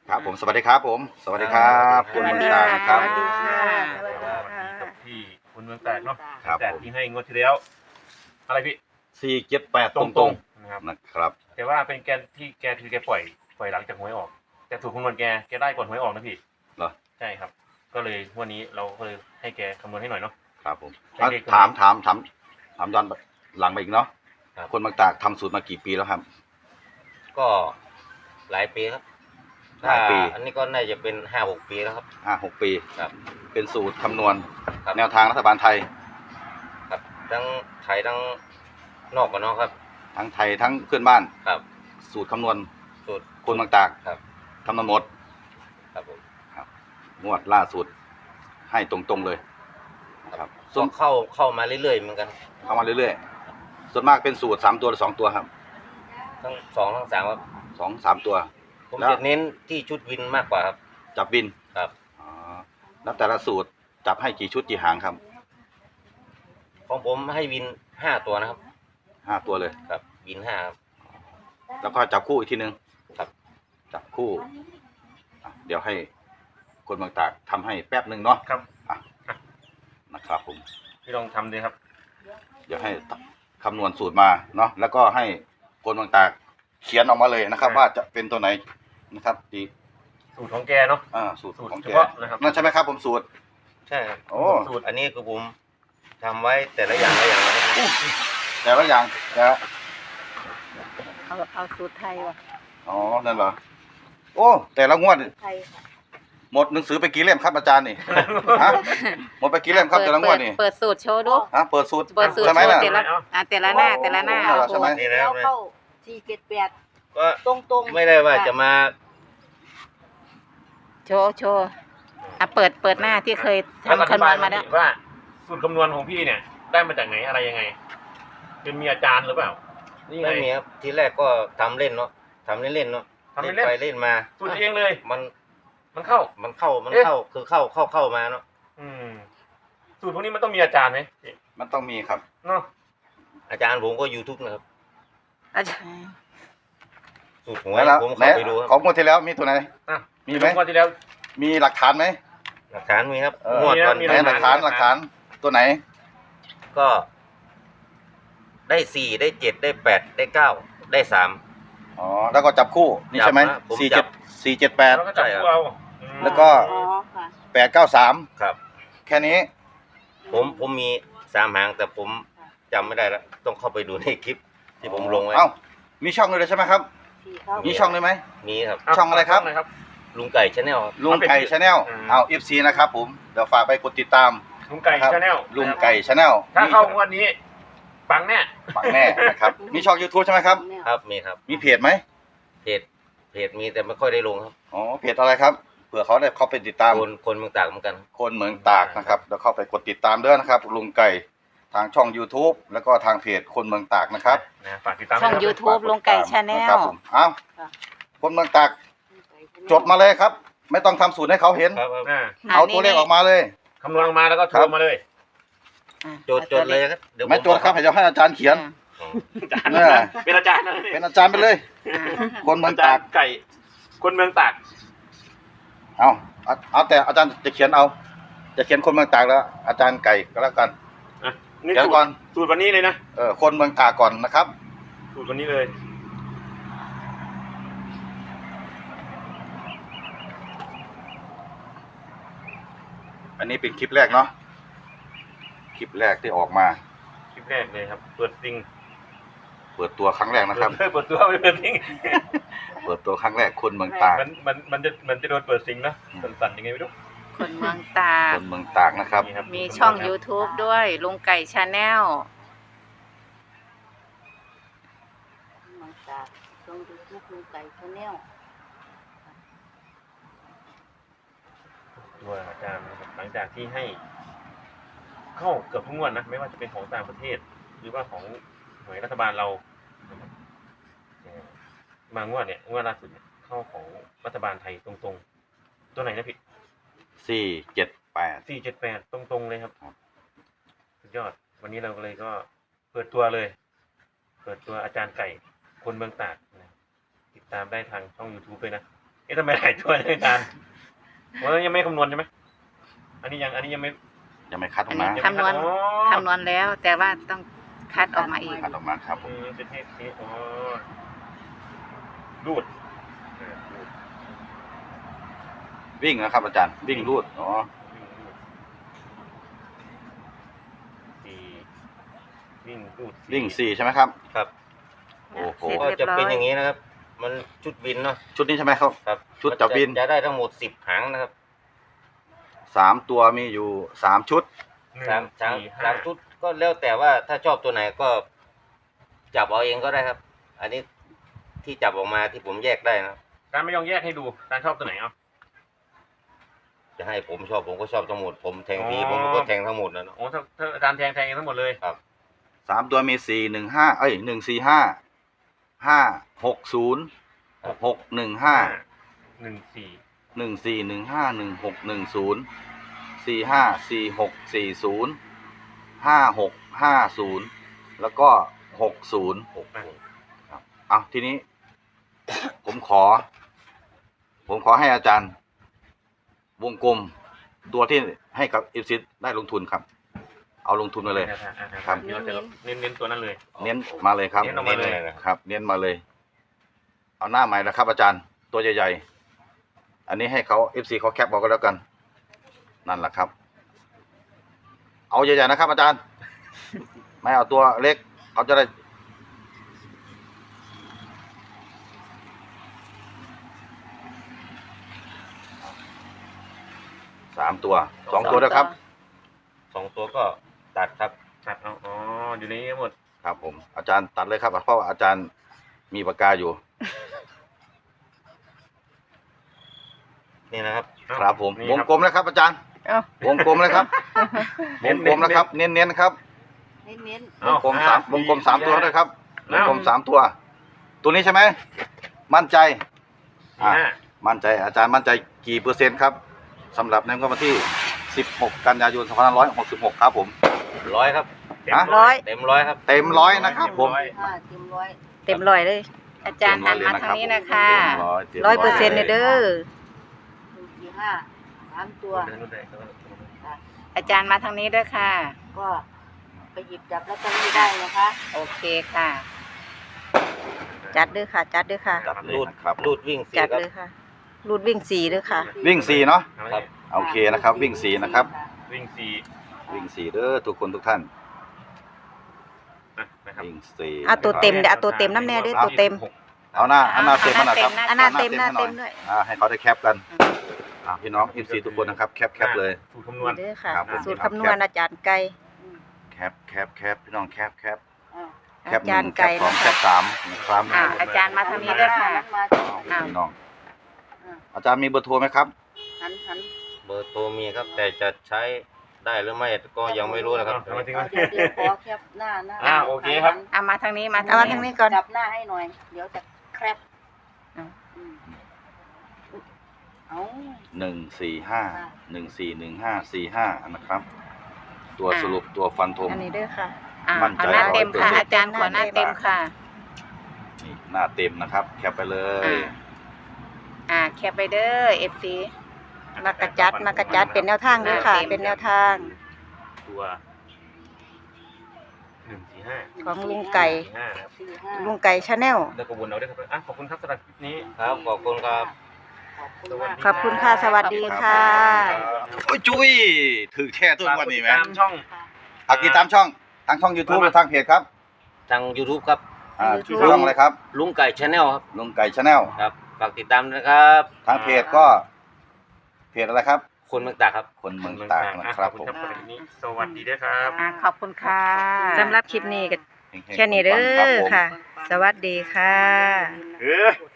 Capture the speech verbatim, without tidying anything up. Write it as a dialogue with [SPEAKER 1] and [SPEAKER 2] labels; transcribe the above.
[SPEAKER 1] ครับผมสวัสดีครับผมสวัสดีครับคุณเมืองตากนะครับ
[SPEAKER 2] สวัสดีค่ะ
[SPEAKER 3] สวัสดีกับพี่คุณเมืองแตกเนาะ
[SPEAKER 1] ครับ
[SPEAKER 3] แตก
[SPEAKER 1] ผม
[SPEAKER 3] ที่ให้งวดที่แล้วอะไรพี่
[SPEAKER 1] สี่เจ็ดแปดต
[SPEAKER 3] ต
[SPEAKER 1] ร
[SPEAKER 3] รง งๆนะครับ
[SPEAKER 1] ๆนะครับ
[SPEAKER 3] แต่ว่าเป็นแกที่แกคือแกปล่อยปล่อยหลังจากหวยออก แต่ถูกคำนวณแกแกได้ก่อนหวยออกนะพี่
[SPEAKER 1] เหรอ
[SPEAKER 3] ใช่ครับ ก็เลยวันนี้เราก็เลยให้แกคำนวณให้หน่อยเนาะ
[SPEAKER 1] ครับผม
[SPEAKER 3] ให้เด็ก
[SPEAKER 1] ถามถามถามถามย้อนหลังไปอีกเนาะ
[SPEAKER 4] ครับ
[SPEAKER 1] คนเมืองตากทำสูตรมากี่ปีแล้วครับ
[SPEAKER 4] ก็หลายปีครับ
[SPEAKER 1] หลายปี
[SPEAKER 4] ถ้อันนี้ก็น่าจะเป็นห้าหกปีแล้วครับ
[SPEAKER 1] ห้าหกปี
[SPEAKER 4] ครับ
[SPEAKER 1] เป็นสูตรคำนวณ
[SPEAKER 4] ครับ
[SPEAKER 1] แนวทางรัฐบาลไทย
[SPEAKER 4] ครับทั้งไทยทั้งนอกกับนอกครับ
[SPEAKER 1] ทั้งไทยทั้งเพื่อนบ้าน
[SPEAKER 4] ครับ
[SPEAKER 1] สูตรคำนวณ
[SPEAKER 4] สูตร
[SPEAKER 1] คนเมืองตาก
[SPEAKER 4] ครับ
[SPEAKER 1] คำนวณหมด
[SPEAKER 4] ครับผม
[SPEAKER 1] งวดล่าสุดให้ตรงๆเลยครับ
[SPEAKER 4] ส่วนเข้าเข้ามาเรื่อยๆเหมือนกัน
[SPEAKER 1] เข้ามาเรื่อยๆส่วนมากเป็นสูตรสามตัวหรือสองตัวครับ
[SPEAKER 4] ทั้งสองทั้งสามครับ
[SPEAKER 1] สองสามตัว
[SPEAKER 4] ผม
[SPEAKER 1] แล้ว
[SPEAKER 4] จะเน้นที่ชุดวินมากกว่าครับ
[SPEAKER 1] จับบิน
[SPEAKER 4] ครับ
[SPEAKER 1] อ๋อแล้วแต่ละสูตรจับให้กี่ชุดกี่หางครับ
[SPEAKER 4] ของผมให้วินห้าตัวนะครับ
[SPEAKER 1] ห้าตัวเลย
[SPEAKER 4] ครับวินห้าครับ
[SPEAKER 1] แล้วก็จับคู่อีกทีนึง
[SPEAKER 4] ครับ
[SPEAKER 1] จับคู่อ่ะเดี๋ยวให้คนเมืองตากทำให้แป๊บหนึ่งเนาะ
[SPEAKER 3] ครับ
[SPEAKER 1] อ่ะนะครับผม
[SPEAKER 3] พี่ลองทำดูครับ
[SPEAKER 1] เดี๋ยวให้คำนวณสูตรมาเนาะแล้วก็ให้คนเมืองตากเขียนออกมาเลยนะครับ ว่าจะเป็นตัวไหนนะครับดี
[SPEAKER 3] สูตรของแกเนาะ
[SPEAKER 1] อ่าสูตร
[SPEAKER 3] สูตร
[SPEAKER 1] ของ
[SPEAKER 3] เฉ
[SPEAKER 1] แก
[SPEAKER 3] พาะนะครับ
[SPEAKER 1] นั่นใช่ไหมครับผมสูตร
[SPEAKER 4] ใช่ครับ
[SPEAKER 1] โอ้
[SPEAKER 3] สูตร
[SPEAKER 4] อันนี้คือผมทำไว้แต่ละอย่างละอย่างนะครับ
[SPEAKER 1] แต่ละอย่างแต่ละ
[SPEAKER 2] เอาเอาสูตรไทยว่ะ
[SPEAKER 1] อ๋อนั่นเหรอโอ้แต่ละงวด
[SPEAKER 2] ไทยค่ะ
[SPEAKER 1] หมดหนังสือไปกี่เล่มครับอาจารย์นี่ ฮะหมดไปกี่เล่มครับแต่ละงวดนี่
[SPEAKER 2] เปิดสูตรโชว์ดู
[SPEAKER 1] ฮะเปิดสูตร
[SPEAKER 2] เปิดสูตร
[SPEAKER 1] ใช่ไหม
[SPEAKER 2] โชว์
[SPEAKER 1] ล่ะ
[SPEAKER 2] แต่ละอ่ะแต่ละหน้าแต่ละหน้า
[SPEAKER 1] โอ้โหใช่ไหม
[SPEAKER 4] นี่นะครับ
[SPEAKER 5] เข้าสี่เจ็ดแปด
[SPEAKER 4] ก็
[SPEAKER 5] ตรงตรงๆ
[SPEAKER 4] ไม่ได้ว่าจะมา
[SPEAKER 2] โชว์โชว์อ่ะเปิดเปิดหน้าที่เคย
[SPEAKER 3] แล้ว
[SPEAKER 2] ทำ
[SPEAKER 3] อธิ
[SPEAKER 2] คำน
[SPEAKER 3] บา
[SPEAKER 2] วย ณมาแล้ว
[SPEAKER 3] ว่าสูตรคำนวณของพี่เนี่ย ได้มาจากไหนอะไรยังไง เป็นมีอาจารย์หรือเปล่า นี่ไง
[SPEAKER 4] ไม่มีครับทีแรกก็ทำเล่นเนาะทำเล่นๆเนาะ
[SPEAKER 3] ทำเล่นๆ
[SPEAKER 4] ไปเล่นมา
[SPEAKER 3] สูตรเองเลย
[SPEAKER 4] มัน
[SPEAKER 3] มันเข้า
[SPEAKER 4] มันเข้ามัน
[SPEAKER 3] เอ๊ะ
[SPEAKER 4] เข้าคือเข้าเข้าเข้ามาเนาะ
[SPEAKER 3] อืมสูตรพวกนี้มันต้องมีอาจารย์ไหม
[SPEAKER 1] มันต้องมีครับ
[SPEAKER 3] เนาะ
[SPEAKER 4] อาจารย์ผมก็ YouTube นะครับ
[SPEAKER 2] อาจารย์
[SPEAKER 4] สูตรหวย
[SPEAKER 1] แล้ว
[SPEAKER 4] ผม
[SPEAKER 1] ไหน
[SPEAKER 4] เข้าไปดูค
[SPEAKER 1] ขอ
[SPEAKER 4] รับ
[SPEAKER 1] งงวดที่แล้วมีตัวไหน
[SPEAKER 3] อ่ะ
[SPEAKER 1] มีไหม
[SPEAKER 3] งวดที่แล้ว
[SPEAKER 1] มีหลักฐานไหม
[SPEAKER 4] หลักฐานมีครับ
[SPEAKER 1] เออ
[SPEAKER 4] งวดก่อน
[SPEAKER 3] มี
[SPEAKER 1] ไหน
[SPEAKER 3] นะ
[SPEAKER 1] หลักฐานหลักฐานตัวไหน
[SPEAKER 4] ก็ได้สี่ได้เจ็ดได้แปดได้เก้าได้สาม
[SPEAKER 1] อ๋อแล้วก็จับคู่นี่ใช่ไหม
[SPEAKER 4] จับนะผม
[SPEAKER 1] สี่
[SPEAKER 4] จั
[SPEAKER 1] เจ็ด
[SPEAKER 4] บ
[SPEAKER 1] สี่เจ็ดแปด
[SPEAKER 3] แล้วก็จับ
[SPEAKER 4] ใช่ครับ
[SPEAKER 3] คู่เอาอืม
[SPEAKER 1] แล้วก็
[SPEAKER 5] อ๋อค่ะ
[SPEAKER 1] แปดเก้าสาม
[SPEAKER 4] ครับ
[SPEAKER 1] แค่นี้
[SPEAKER 4] ผมผมมีสามหางแต่ผมจำไม่ได้แล้วต้องเข้าไปดูในคลิปที่ผมลงไว้
[SPEAKER 1] เอ้ามีช่องเลยใช่ไหมครับ
[SPEAKER 5] สี่เข้า
[SPEAKER 1] มีช่องเลยไหม
[SPEAKER 4] มีครับ
[SPEAKER 3] เา
[SPEAKER 1] ช่องอะไรครับ
[SPEAKER 3] ช่งหนครับ
[SPEAKER 4] ลุงไก่ชาแนล
[SPEAKER 1] ลุงไก่ชาแนล
[SPEAKER 3] อืม
[SPEAKER 1] เอาเอฟซีนะครับผมเดี๋ยวฝากไปกดติดตาม
[SPEAKER 3] ลุงไก่
[SPEAKER 1] ครับ
[SPEAKER 3] ชาแนล
[SPEAKER 1] ลุงไก่ชาแนล
[SPEAKER 3] ถ้าเข้างวดนี้ ปังแน่
[SPEAKER 1] ฝังแน่นะครับมีช่อง YouTube ใช่ไหมครับ
[SPEAKER 4] ครับมีครับ
[SPEAKER 1] มีเพจไหม
[SPEAKER 4] เพจเพจมีแต่ไม่ค่อยได้ลงครับ
[SPEAKER 1] อ๋อเพจอะไรครับเผื่อเขาได้เข้าไปติดตาม
[SPEAKER 4] คนคนเมืองตากเหมือนกัน
[SPEAKER 1] คนเมืองตากนะครับแล้วเข้าไปกดติดตามด้วยนะครับ ลุงไก่ทางช่อง YouTube แล้วก็ทางเพจคนเมืองตากนะครับ
[SPEAKER 3] นะฝากติดตาม
[SPEAKER 2] ช่อง
[SPEAKER 3] ด้วยนะครับ
[SPEAKER 2] YouTube ลุงไก่ชาแน
[SPEAKER 1] ครั
[SPEAKER 2] ล
[SPEAKER 1] บผมเอ้าคนเมืองตากจดมาเลยครับ ไม่ต้องทำสูตรให้เขาเห็น
[SPEAKER 4] ครับครับ
[SPEAKER 3] อ่า
[SPEAKER 1] เอาตัวเลขออกมาเลย
[SPEAKER 3] คำนวณออกมาแล้วก็โท
[SPEAKER 1] ครั
[SPEAKER 3] ร
[SPEAKER 1] บ
[SPEAKER 3] มาเลย
[SPEAKER 2] อ่ะ
[SPEAKER 4] โจทย์โจทย์เลยครับเดี๋ยวผ
[SPEAKER 1] ไม่จดครับเดี๋ยวให้อาจารย์เขียน
[SPEAKER 4] อ๋อ
[SPEAKER 3] อาจารย์
[SPEAKER 1] เออ
[SPEAKER 3] เป็นอาจารย์นะ
[SPEAKER 1] เป็นอาจารย์ไปเลย
[SPEAKER 2] อ่ะ
[SPEAKER 1] คนเมือง
[SPEAKER 3] อาจา
[SPEAKER 1] ตาร ก
[SPEAKER 3] ย์ไก่ คนเมืองตาก
[SPEAKER 1] เอาเอาเอาแต่อาจารย์จะเขียนเอา จะเขียนคนเมืองตากแล้ว อาจารย์ไก่ก็แล้วกัน
[SPEAKER 3] อ่ะนี่
[SPEAKER 1] เดี๋ยว
[SPEAKER 3] สูต
[SPEAKER 1] ก่
[SPEAKER 3] ร
[SPEAKER 1] อน
[SPEAKER 3] สูตรวันนี้เลยนะ
[SPEAKER 1] เออคนเมืองตากก่อนนะครับ
[SPEAKER 3] สูตรวันนี้เลย
[SPEAKER 1] อันนี้เป็นคลิปแรกเนาะคลิปแรกที่ออกมา
[SPEAKER 3] คลิปแรกเลยครับ เปิดซิง
[SPEAKER 1] เปิดตัวครั้งแรกนะครับ
[SPEAKER 3] เปิดเปิดตัวไม่เปิดซิง
[SPEAKER 1] เปิดตัวครั้งแรกคนเมืองตาก
[SPEAKER 3] มันมันมันจะมันจะโดนเปิดซิงนะสั่นๆยังไงไม่รู้
[SPEAKER 2] คนเมืองตาก
[SPEAKER 1] คนเมืองตากนะครับ
[SPEAKER 3] นี่ครับ
[SPEAKER 2] มีช่อง YouTube ด้วยลุงไก่ชาแนล
[SPEAKER 5] มังตาตรงดูทุกลุงไก่ชาแนล
[SPEAKER 3] ตัวอาจารย์นะครับหลังจากที่ให้ เข้าเกือบทุกงวดนะไม่ว่าจะเป็นของต่างประเทศ หรือว่าของหน่วยรัฐบาลเรานะครับเอ่อมางวดเนี่ยงวดล่าสุดเนี่ยเข้าของรัฐบาลไทยตรงๆ ตัวไหนนะพี่
[SPEAKER 1] สี่เจ็ดแปด
[SPEAKER 3] สี่เจ็ดแปดตรงๆเลยครับ
[SPEAKER 1] ครับ
[SPEAKER 3] สุดยอด วันนี้เราก็เลยก็เปิดตัวเลย เปิดตัวอาจารย์ไก่คนเมืองตากนะติดตามได้ทางช่อง YouTube ด้วยนะเอ๊ะทำไมหลายตัวเลยอาจารย์ว่ายังไม่คำนวณใช่ไหมอันนี้ยังอันนี้ยังไม่
[SPEAKER 1] ยังไม่คัดอ
[SPEAKER 2] อั
[SPEAKER 1] อน ก
[SPEAKER 2] นี้
[SPEAKER 1] มา
[SPEAKER 2] คำนวณ
[SPEAKER 3] อ๋อ
[SPEAKER 2] คำนวณแล้ว แต่ว่าต้องคัดออกมาอีก
[SPEAKER 1] คัดออกมาครับผ
[SPEAKER 3] อื
[SPEAKER 1] ม
[SPEAKER 3] มเป็นเทปนี้อ๋อรูดเออรูด
[SPEAKER 1] วิ่งนะครับ อาจารย์วิ่งรูดอ๋อ
[SPEAKER 3] วิ่งรูดสี่วิ่งรูด
[SPEAKER 1] วิ่งสี่ใช่ไหมครับ
[SPEAKER 4] ครับ
[SPEAKER 1] โอ้โห
[SPEAKER 2] เสร็จ
[SPEAKER 4] ก็
[SPEAKER 2] เรียบ
[SPEAKER 4] จะ
[SPEAKER 2] ร้อย
[SPEAKER 4] เป็นอย่างนี้นะครับ มันชุดวินเนาะ
[SPEAKER 1] ชุดนี้ใช่ไหมครับ
[SPEAKER 4] ครับ
[SPEAKER 1] ชุดจับวิน
[SPEAKER 4] จะได้ทั้งหมดสิบหางนะครับ
[SPEAKER 1] สามตัวมีอยู่สามชุด
[SPEAKER 3] หนึ่ง
[SPEAKER 4] สามสาม
[SPEAKER 3] สี่ห้
[SPEAKER 4] สามชุดก็แล้วแต่ว่าถ้าชอบตัวไหนก็จับเอาเองก็ได้ครับ อันนี้ที่จับออกมาที่ผมแยกได้นะ
[SPEAKER 3] อาจารย์ไม่ยองแยกให้ดูอาจารย์ชอบตัวไหนเอา
[SPEAKER 4] จะให้ผมชอบผมก็ชอบทั้งหมด ผมแทงที
[SPEAKER 3] อ๋อ
[SPEAKER 4] ผมก็แทงทั้งหมดนะเนาะ
[SPEAKER 3] โอ้ถ้าถ้าอาจารย์แทงแทงเองทั้งหมดเลย
[SPEAKER 1] สามตัวมีสี่หนึ่งห้าเอ้ยหนึ่งสี่ห้าห้าหกศูนย์หกหนึ่งห้า
[SPEAKER 3] หนึ่งสี่
[SPEAKER 1] หนึ่งสี่หนึ่งห้าหนึ่งหกหนึ่งศูนย์สี่ห้าสี่หกสี่ศูนย์ห้าหกห้าศูนย์แล้วก็หกศูนย์
[SPEAKER 4] หกศูนย์
[SPEAKER 1] เอาทีนี้ ผมขอ ผมขอให้อาจารย์ วงกลมตัวที่ให้กับอิฟซิได้ลงทุนครับ เอาลงทุนมาเลย ครับ
[SPEAKER 3] เดี๋ยวจะเน้นเน้นตัวนั้นเลย
[SPEAKER 1] เน้นมาเลยครับ
[SPEAKER 3] เน้นออกมาเลย
[SPEAKER 1] ครับ เน้นมาเลย เอาหน้าใหม่นะครับ อาจารย์ตัวใหญ่ๆอันนี้ให้เขาเอฟซีเขาแคปบอกกันแล้วกัน นั่นแหละครับ เอาใหญ่ๆนะครับ อาจารย์ ไม่เอาตัวเล็กเขาจะได้สามตัวสองตัวด้วยครับ
[SPEAKER 4] สองตัวก็ตัดครับ
[SPEAKER 3] ตัดเอาอ๋ออยู่ในนี้หมด
[SPEAKER 1] ครับผมอาจารย์ตัดเลยครับเพราะว่าอาจารย์มีปากกาอยู่
[SPEAKER 4] นี่นะครับ
[SPEAKER 1] ครับผม
[SPEAKER 3] นี่
[SPEAKER 1] วงกลมเลยครับ อาจารย์
[SPEAKER 2] เอ้าว
[SPEAKER 1] งกลมเลยครับวงกลมนะครับ เน้นๆครับ
[SPEAKER 5] เน้นเน้น
[SPEAKER 1] วงกลมสามวงกลมสามตัวด้วยครับวงกลมสามตัว ตัวนี้ใช่ไหมมั่นใจ
[SPEAKER 3] สี่ห้า
[SPEAKER 1] มั่นใจอาจารย์มั่นใจกี่เปอร์เซ็นต์ครับสำหรับในวันที่สิบหกกันยายนสองพันห้าร้อยหกสิบหกครับผม
[SPEAKER 4] ร้อยครับ
[SPEAKER 3] เต็ม
[SPEAKER 1] ฮะ
[SPEAKER 2] ร้อย
[SPEAKER 4] เต็มร้อยครับ
[SPEAKER 1] เต็มร้อยนะครับผม
[SPEAKER 3] ร้อย
[SPEAKER 5] ห้าเต็มร้อย
[SPEAKER 2] เต็มร้อยเลย อาจารย์หันมาทางนี้นะคะ
[SPEAKER 1] เต็มร้อยต็ม
[SPEAKER 2] ร้อยเปอร์เซ็นต์เด้อ
[SPEAKER 5] หนึ่งสี่ห้าสามตัว
[SPEAKER 3] เดินนู่นเลย
[SPEAKER 5] ค่ะ
[SPEAKER 2] อาจารย์มาทางนี้ด้วยค่ะ
[SPEAKER 5] ก็ไปหยิบจับแล้วก็ไม่ได้นะคะ
[SPEAKER 2] โอเคค่ะ จัดด้วยค่ะ จัดด้วยค่ะ
[SPEAKER 1] จัดเลย
[SPEAKER 4] รูด
[SPEAKER 1] นะครับ
[SPEAKER 4] รูดวิ่งสี่
[SPEAKER 2] จัด
[SPEAKER 4] ครับ
[SPEAKER 2] เลยค่ะ รูดวิ่งสี่ด้วยค่ะ
[SPEAKER 1] วิ่งสี่เนาะ
[SPEAKER 3] ครับ
[SPEAKER 1] โอเคนะครับ วิ่งสี่นะครับ
[SPEAKER 3] วิ่งสี่
[SPEAKER 1] วิ่งสี่เด้อทุกคนทุกท่าน
[SPEAKER 3] นะนะครับ
[SPEAKER 1] วิ่งสี่
[SPEAKER 2] เอาตัวเต็มเดี๋ยวเอาตัวเต็มน้ำแน่ด้วยตัวเต็ม
[SPEAKER 1] เอาหน้าเอาหน้าเต็มมาหน่อยครับ
[SPEAKER 2] เอาหน้าเต็มหน้าเต็ม
[SPEAKER 1] ให้
[SPEAKER 2] ด้วย
[SPEAKER 1] อ่าให้เขาได้แคปกันอ่าพี่น้องเอฟซีทุกคนนะครับ แคปแคปเลย
[SPEAKER 3] สูตรคำนวณ
[SPEAKER 2] เด้อค่ะ
[SPEAKER 1] ครับผม
[SPEAKER 2] สูตรคำนวณอาจารย์ไก่
[SPEAKER 5] อืม
[SPEAKER 1] แคปแคปแคปพี่น้องแคปแคป
[SPEAKER 5] อ่า
[SPEAKER 1] แคป
[SPEAKER 2] อา
[SPEAKER 1] ห
[SPEAKER 2] จาร
[SPEAKER 1] นึ่ง
[SPEAKER 2] ย์
[SPEAKER 1] แค
[SPEAKER 2] ไก่
[SPEAKER 1] ปสอง
[SPEAKER 2] นะ
[SPEAKER 1] แค
[SPEAKER 2] คะ
[SPEAKER 1] ปสามนะครับ
[SPEAKER 2] อ่าอาจารย์มาทางนี้ด้วยค่ะ
[SPEAKER 5] หันมา
[SPEAKER 2] อ้าว
[SPEAKER 1] พี่น้อง
[SPEAKER 5] อ่า
[SPEAKER 1] อาจารย์มีเบอร์โทรไหมครับ
[SPEAKER 5] หันหัน
[SPEAKER 4] เบอร์โทรมีครับ แต่จะใช้ได้หรือไม่ก็ยังไม่รู้นะครับ
[SPEAKER 3] เอามาถึง
[SPEAKER 5] เอาเดี๋ยวเดี๋ยวขอแคปหน้าหน้า
[SPEAKER 3] อ่าโอเคครับ
[SPEAKER 2] เอามาทางนี้มา
[SPEAKER 5] เอามาทาง
[SPEAKER 2] นี้
[SPEAKER 5] นี้ก่อนจับหน้าให้หน่อย เดี๋ยวจะแคป
[SPEAKER 2] อ่า
[SPEAKER 5] อืมเอา
[SPEAKER 1] หนึ่งสี่ห้าหนึ่งสี่หนึ่งห้าสี่ห้านะครับ ตัวสรุปตัวฟันธง
[SPEAKER 2] อันนี้ด้วยค่ะอ่า
[SPEAKER 1] มั่นใจ
[SPEAKER 2] เอาหน้าเต็มค่ะ
[SPEAKER 1] ร้อยเปอร์เซ็นต์
[SPEAKER 2] อาจารย์ขอหน้าเต็มค่ะ
[SPEAKER 1] นี่หน้าเต็มนะครับ แคปไปเลย
[SPEAKER 2] อ่า อ่าแคปไปเด้อเอฟซีมากระจัดมากระจัดเป็นแนวทางด้วยค่ะ เป็นแนวทาง
[SPEAKER 3] ตัวหนึ่งสี่ห้า
[SPEAKER 2] ของลุงไก่
[SPEAKER 3] สี่ห้านะครับ
[SPEAKER 5] สี่ห้า
[SPEAKER 2] ลุงไก่ชาแนล
[SPEAKER 3] แล้วก็วนเอาด้วยครับอ่ะขอบคุณครับสำหรับคลิปนี้
[SPEAKER 4] ครับ ขอบคุณครับ
[SPEAKER 5] ขอบคุณมาก
[SPEAKER 2] ขอบคุณค่ะ สวัสดีค่ะ
[SPEAKER 1] โอ้ยจุ้ยถือแค่ตัววันนี้ไหม
[SPEAKER 3] ตามช่อง
[SPEAKER 5] ค่ะ
[SPEAKER 1] ฝากติดตามช่องทางช่อง YouTube หรือทางเพจครับ
[SPEAKER 4] ทาง YouTube ครับ
[SPEAKER 1] อ่า
[SPEAKER 2] YouTube
[SPEAKER 1] ช่องอะไรครับ
[SPEAKER 4] ลุงไก่ชาแนลครับ
[SPEAKER 1] ลุงไก่ชาแนล
[SPEAKER 4] ครับ ฝากติดตามนะครับ
[SPEAKER 1] ทางเพจก็ เพจอะไรครับ
[SPEAKER 4] คนเมืองตากครับ
[SPEAKER 1] คนเมืองตากนะครับผม
[SPEAKER 3] ขอบคุณครับสำหรับคลิปนี้สวัสดีด้วยครับ
[SPEAKER 2] อ่าขอบคุณค่ะสำหรับคลิปนี้ก็
[SPEAKER 1] เฮงๆ
[SPEAKER 2] แค่นี้เด้
[SPEAKER 1] ปังๆครับ
[SPEAKER 2] อ
[SPEAKER 1] ผม
[SPEAKER 2] ค่ะ สวัสดีค่ะ
[SPEAKER 3] เออ
[SPEAKER 5] กด